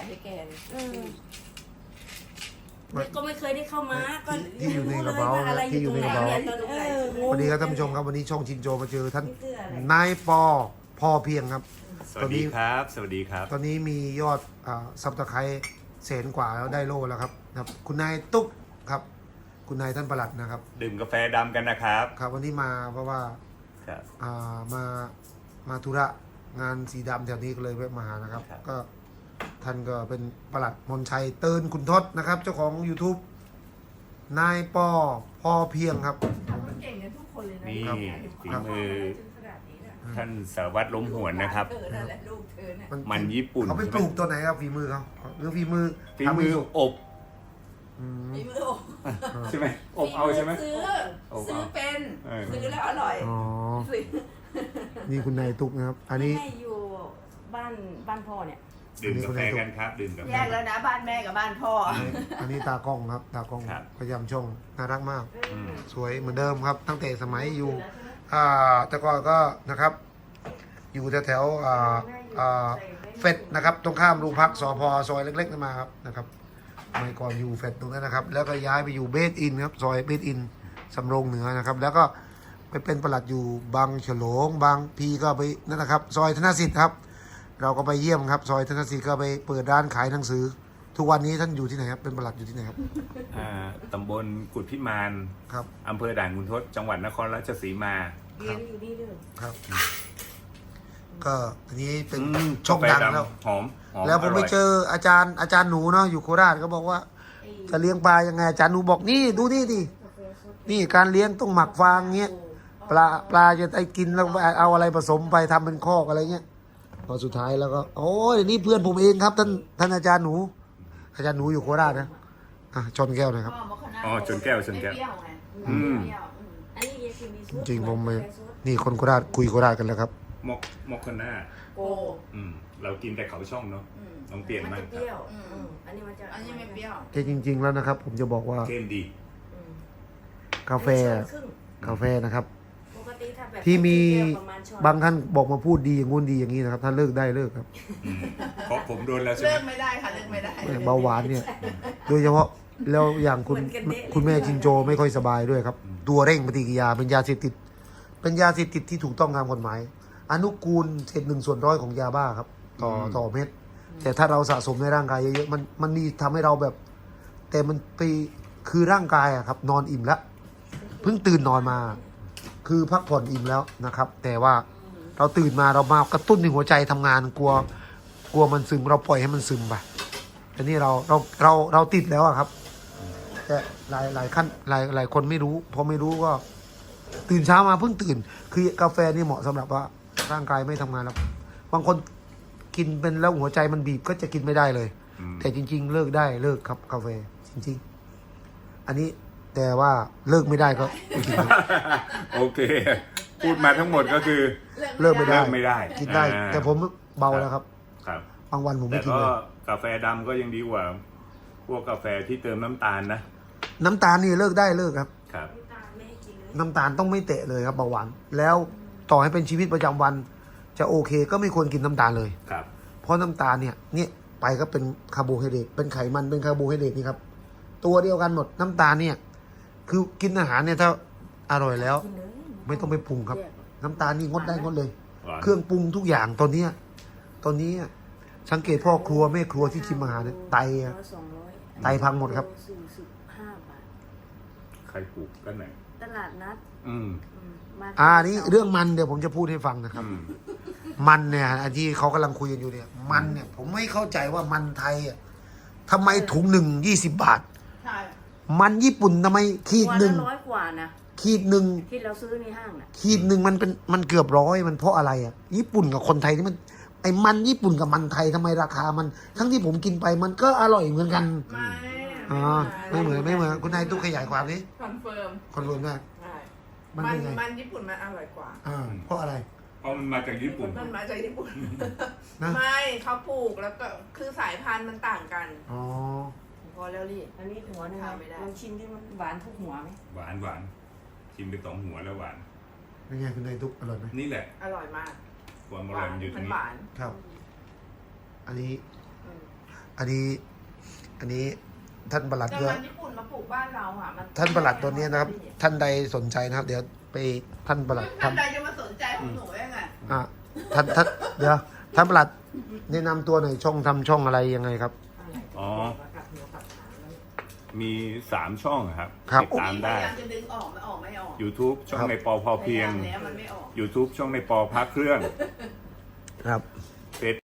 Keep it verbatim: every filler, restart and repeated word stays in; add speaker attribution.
Speaker 1: ให้แก
Speaker 2: ก็ไม่เคยได้เข้ามาก็
Speaker 3: ที่อยู่ในกระเป๋าที่อยู่ในกระเป๋าสวัสดีครับท่านผู้ชมครับวันนี้ช่องชินโจมาเจอท่านนายปอพอเพียงครับ
Speaker 4: สวัสดีครับสวัสดีครับ
Speaker 3: ตอนนี้มียอดซับสไครต์แสนกว่าแล้วได้โล่แล้วครับครับคุณนายตุ๊กครับคุณนายท่านประหลัดนะครับ
Speaker 4: ดื่มกาแฟดำกันนะครับ
Speaker 3: ครับวันนี้มาเพราะว่า
Speaker 4: ครับ
Speaker 3: อ่ามามาธุระงานสีดำแถวนี้ก็เลยแวะมาหานะครับ
Speaker 4: ครับ
Speaker 3: ก็ท่านก็เป็นประหลัดมนชัยเตินคุณทศนะครับ เจ้าของ YouTube นายปอพอเพียงครับ
Speaker 1: เก่งกันทุกคนเลยนะ
Speaker 4: นี่
Speaker 3: ครับ
Speaker 4: ฝีมือท่านสารวัตรล้มหวนนะครับ
Speaker 1: เธอนั่นแหละลูกเธอเนี่ย
Speaker 4: มันญี่ปุ่น
Speaker 3: เขาไปปลูกตัวไหนครับฝีมือเขาหรือฝีมือ
Speaker 4: ฝีมือ
Speaker 3: ทำให้สุก
Speaker 4: อบ
Speaker 3: อืม
Speaker 1: ฝีมือ
Speaker 4: ใช่ไหมอบเอาใช่ไหม
Speaker 1: ซื้อ
Speaker 4: อบเอา
Speaker 1: ซื้อเป็น
Speaker 4: เออ
Speaker 1: ซื้อแล้วอร่อย
Speaker 3: อ๋อ
Speaker 1: ซื้อ
Speaker 3: นี่คุณนายตุ๊กนะครับ อันนี้
Speaker 2: แม่อยู่บ้านบ้านพ่อเนี่ย
Speaker 4: ดื่มกาแฟกันครับดื่มกาแฟ
Speaker 1: แยกแล้วนะบ้านแม่กับบ้านพ่อ
Speaker 3: อันนี้ตากล้องครับตากล้อง
Speaker 4: ครับ
Speaker 3: พยายามช่องน่ารักมาก
Speaker 4: อืม
Speaker 3: สวยเหมือนเดิมครับ ตั้งแต่สมัยอยู่อ่าแต่ก่อนก็นะครับ อยู่แถวแถวๆอ่าอ่าเฟดนะครับ ตรงข้ามโรงพักสพซอยเล็กๆนั่นมาครับนะครับสมัยก่อนอยู่เฟดตรงนั้นนะครับ แล้วก็ย้ายไปอยู่เบสอินครับซอยเบสอินสำโรงเหนือนะครับ แล้วก็ไปเป็นปลัดอยู่บางฉลงบางพีก็ไปนั่นนะครับ ซอยธนสิทธิ์ครับ เราก็ไปเยี่ยมครับ ซอยธนสิทธิ์ก็ไปเปิดร้านขายหนังสือ ทุกวันนี้ท่านอยู่ที่ไหนครับเป็นปลัดอยู่ที่ไหนครับ
Speaker 4: อ่าตำบลกุดพิมาน
Speaker 3: ครับ
Speaker 4: อำเภอด่านขุนทดจังหวัดนครราชสีมา
Speaker 2: เรียนอยู่นี่เลย
Speaker 3: ครับ ก็อันนี้เป็น
Speaker 4: อืม
Speaker 3: ช่อง
Speaker 4: กา
Speaker 3: ดัง
Speaker 4: แฟ
Speaker 3: แล้ว
Speaker 4: หอมหอม
Speaker 3: แล้วผมไป
Speaker 4: ร่ย
Speaker 3: เจออาจารย์อาจารย์หนูเนาะอยู่โคราชก็บอกว่า จะเลี้ยงปลายังไงอาจารย์หนูบอกนี่ดูนี่ดินี่การเลี้ยงต้องหมักฟางเงี้ยปลาปลาจะได้กินแล้วเอาอะไรผสมไปทำเป็นคอกอะไรเงี้ยพอสุดท้ายแล้วก็โอ้ยนี่เพื่อนผมเองครับท่านท่านอาจารย์หนู อาจารย์หนูอยู่โคราชนะอ่ะชนแก้วหน่อยครับ
Speaker 4: อ๋อชนแก้วชนแก้ว
Speaker 1: ไม่เปรี้ยวไง
Speaker 4: อืม
Speaker 1: ไม่เปรี้ยวอืม
Speaker 2: อันนี้ยายคือมีซุป
Speaker 3: จริงผมไม่นี่คนโคราชคุยโคราชกันแล้วครับ
Speaker 4: มอกมอกคนหน้า
Speaker 1: โก
Speaker 4: อืมเรากินแต่เขาช่องเนาะ
Speaker 1: อืม
Speaker 4: ลองเปลี่ยน
Speaker 2: มัน
Speaker 4: มาก
Speaker 2: จะเป
Speaker 4: ครับ
Speaker 2: รี้ยว
Speaker 1: อืม
Speaker 2: อืมอันนี้มันจะ
Speaker 1: อันนี้ไม่เปรี้ยว
Speaker 3: แต่จริง ๆ แล้วนะครับ ผมจะบอกว่า
Speaker 4: เข้มดี
Speaker 2: อืม
Speaker 3: กาแฟ
Speaker 2: อันนี้ช้อนครึ่ง
Speaker 3: กาแฟนะครับ
Speaker 2: ปกติถ้าแบบ
Speaker 3: ที่มี
Speaker 2: เปรี้ยวประมาณช้อน
Speaker 3: บางท่านบอกมาพูดดีอย่างงู้นดีอย่างนี้นะครับท่านเลิกได้เลิกครับ
Speaker 4: อืมเพราะผมโดนแล้วใช่
Speaker 1: เลิ
Speaker 4: ไหม
Speaker 1: กไม่ได้ค่ะเลิกไม่ได้
Speaker 3: เบาหวานเนี่ย โดยเฉพาะแล้วอย่างคุณคุณแม่ชินโจไม่ค่อยสบายด้วยครับ ตัวเร่งปฏิกิริยาเป็นยาเสพติด เป็นยาเสพติดที่ถูกต้องตามกฎหมาย อนุกูลเศษหนึ่งส่วนร้อยของยาบ้าครับ ต่อต่อเม็ดแต่ถ้าเราสะสมในร่างกายเยอะๆมันมันนี่ทำให้เราแบบ แต่มันไปคือร่างกายอะครับ นอนอิ่มแล้วเพิ่งตื่นนอนมา คือพักผ่อนอิ่มแล้วนะครับ แต่ว่าเราตื่นมาเรามากระตุ้นในหัวใจทำงานกลัว กลัวมันซึมเราปล่อยให้มันซึมไปแต่นี่เราเราเราเราติดแล้วอะครับ แต่หลายหลายขั้นหลายหลายคนไม่รู้พอไม่รู้ก็ ตื่นเช้ามาเพิ่งตื่น คือกาแฟนี่เหมาะสำหรับว่าร่างกายไม่ทำงานแล้วบางคนกินเป็นแล้วหัวใจมันบีบก็จะกินไม่ได้เลย
Speaker 4: อืม
Speaker 3: แต่จริง ๆ เลิกได้เลิกครับกาแฟจริง ๆ อันนี้แต่ว่าเลิกไม่ได้ก็ไม่กิน
Speaker 4: โอเค พูดมาทั้งหมดก็คือ
Speaker 3: เลิกไม่ได้
Speaker 4: เลิกไม่ได้
Speaker 3: กินได้
Speaker 4: อ่า
Speaker 3: แต่ผมเบาแล้วครับ
Speaker 4: ครับ
Speaker 3: บางวันผม
Speaker 4: แต่
Speaker 3: ไม่กิน
Speaker 4: ก็
Speaker 3: เลย
Speaker 4: กาแฟดำก็ยังดีกว่า พวกกาแฟที่เติมน้ำตาลนะ
Speaker 3: น้ำตาลนี่เลิกได้เลิกครับ
Speaker 4: ครับ
Speaker 2: น้ำตาลไม่ให้กินเลย
Speaker 3: น้ำตาลต้องไม่เตะเลยครับเบาหวานแล้วต่อให้เป็นชีวิตประจำวัน จะโอเคก็ไม่ควรกินน้ำตาลเลย
Speaker 4: ครับ
Speaker 3: เพราะน้ำตาลเนี่ยเนี่ยไปก็เป็นคาร์โบไฮเดรตเป็นไขมันเป็นคาร์โบไฮเดรตนี่ครับตัวเดียวกันหมดน้ำตาลเนี่ย คือกินอาหารเนี่ยถ้าอร่อยแล้ว
Speaker 2: กินเลย
Speaker 3: ไม่ต้องไปปรุงครับ
Speaker 2: แยก
Speaker 3: น้ำตาลนี่งดได้งดเลย
Speaker 4: หวาน
Speaker 3: เครื่องปรุงทุกอย่างตอนเนี้ยตอนนี้สังเกตพ่อครัวแม่ครัวที่ชิมอาหารเนี่ยไตอะ
Speaker 2: ร้อยสองร้อย
Speaker 3: ไตพังหมดครับ
Speaker 2: สี่สิบห้าบาท
Speaker 4: ใครปลูกกันไหน
Speaker 2: ตลาดนัด
Speaker 4: อืม
Speaker 2: อืมมา
Speaker 3: อ่านี่เรื่องมันเดี๋ยวผมจะพูดให้ฟังนะครับ
Speaker 4: อืม
Speaker 3: มันเนี่ยอันที่เขากำลังคุยกันอยู่เนี่ย มันเนี่ย ผมไม่เข้าใจว่ามันไทยอ่ะทำไมถุงหนึ่งยี่สิบบาท
Speaker 1: ใช่
Speaker 3: มันญี่ปุ่นทำไมขีด
Speaker 2: วัน
Speaker 3: หนึ่ง
Speaker 2: ละร้อยกว่านะ
Speaker 3: ขีดหนึ่ง
Speaker 2: ที่เราซื้อในห้างน่ะ
Speaker 3: ขีดหนึ่งมันเป็นมันเกือบร้อยมันเพราะอะไรอ่ะญี่ปุ่นกับคนไทยที่มันไอ้มันญี่ปุ่นกับมันไทยทำไมราคามัน ทั้งที่ผมกินไปมันก็อร่อยเหมือนกัน
Speaker 1: ไม่
Speaker 3: อ๋อไม่เหมือนไม่เหมือนคุณนายตู้ขยายความนี้
Speaker 1: คอนเฟิร์ม
Speaker 3: คอนเฟิร์มได้
Speaker 1: ใช่
Speaker 3: มัน
Speaker 1: มัน
Speaker 3: เป็นไง
Speaker 1: มันญี่ปุ่นมันอร่อยกว่า
Speaker 3: อ่าเพราะอะไร
Speaker 4: เพราะมันมาจากญี่ปุ่น
Speaker 1: มันมาจากญี่ปุ่น
Speaker 3: นะ
Speaker 1: ไม่เขาปลูกแล้วก็คือสายพันธุ์มันต่างกัน
Speaker 3: อ๋อ
Speaker 1: พอแล้วลี่
Speaker 2: อันนี้หัวหนึง
Speaker 1: ทานไม่ได้
Speaker 2: ลองชิมที่มันหวานทุกหัวไหม
Speaker 4: หวานหวานชิมไปสองหัวแล้วหวาน
Speaker 3: เป็นไงคุณนายตุ๊กอร่อยไหม
Speaker 4: นี่แหละ
Speaker 1: อร่อยมาก
Speaker 4: ความอ
Speaker 1: ห
Speaker 4: ร่อ
Speaker 1: วาย น
Speaker 4: มันอยู่ตร
Speaker 1: มั
Speaker 4: ง
Speaker 1: น
Speaker 4: นี้
Speaker 1: หวาน
Speaker 3: ครับ อันนี้
Speaker 1: อืม
Speaker 3: อันนี้ อันนี้ท่านประหลัด
Speaker 1: แต่
Speaker 3: ด้วย
Speaker 1: มันญี่ปุ่นมาปลูกบ้านเราอ่ะมัน
Speaker 3: ท่านประหลัดตัวนี้นะครับ ท่านใดสนใจนะครับ เดี๋ยวไปท่านประหลัด
Speaker 1: ท่าน
Speaker 3: ทำ
Speaker 1: ใดจะมาสนใจของหนูยังไง
Speaker 3: อ่ะท่านท่านเดี๋ยวท่านประหลัดแนะนำตัวหน่อยช่องทำช่องอะไรยังไงครับ
Speaker 4: อ๋อ มีสามช่องครับ
Speaker 3: ครับ
Speaker 4: ติดตามได้
Speaker 1: พยายามจะดึงออกไม่ออกไม่ออก
Speaker 4: YouTube ช่องในปอพอเพียง
Speaker 1: พาามแล้วมันไม่ออก
Speaker 4: YouTube ช่องในปอพักเครื่อง
Speaker 3: ครับ